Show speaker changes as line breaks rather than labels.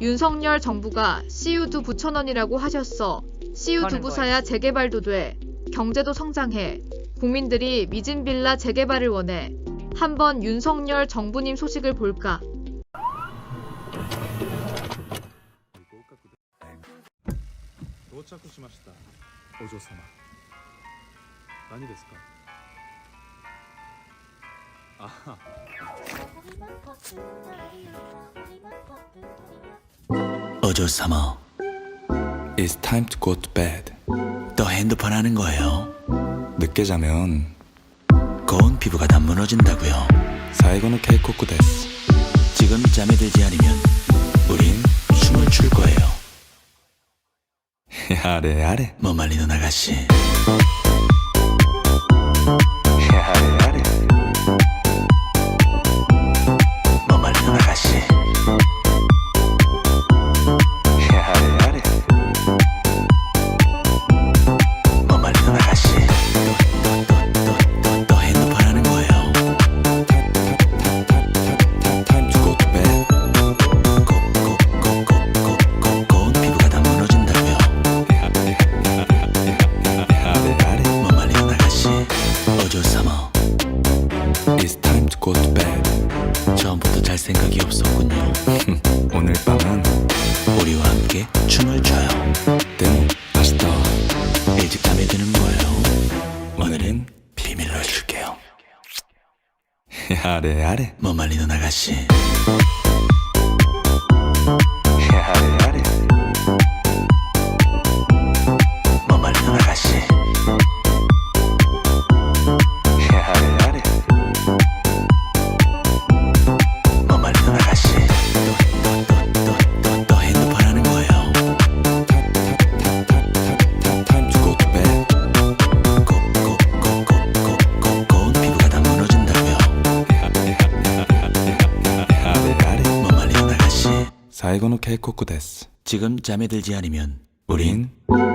윤석열 정부가 CU2 9,000원이라고 하셨어. CU2 부사야 재개발도 돼. 경제도 성장해. 국민들이 미진 빌라 재개발을 원해. 한번 윤석열 정부님 소식을 볼까?
到着しました。お嬢様。何ですか。ああ。
어조사마,
It's time to go to bed.
또 핸드폰 하는 거예요?
늦게 자면
고운 피부가 다 무너진다고요.
最後の警告です.
지금 잠에 들지 않으면 우린 춤을 출 거예요.
야래 야래.
뭐 말리는 아가씨.
야래 야래.
뭐 말리는 아가씨.
야래 야래.
뭐 말리는 아가씨. 또 핸드폰 하는 거예요.
Time to go to bed.
고운 피부가 다 무너진다고요.
야래 야래.
뭐 말리는 아가씨. 어조사마,
It's time to go to bed.
처음부터 잘 생각이 없었군요.
오늘 밤은
우리와 함께 춤을 춰요.
でも明日
일찍 잠에 드는 거예요. 오늘은 비밀로 해줄게요.
야래 야래.
뭐 말리는 아가씨.
야래 야래.
뭐 말리는 아가씨.
야래 야래.
뭐 말리는 아가씨. 또 핸드폰 하는 거예요.
Time to go to bed.
고운 피부가 다 무너진다고요.
야래 야래.
뭐 말리는 아가씨.
最後の警告です.
지금 잠에 들지 않으면 우린
우린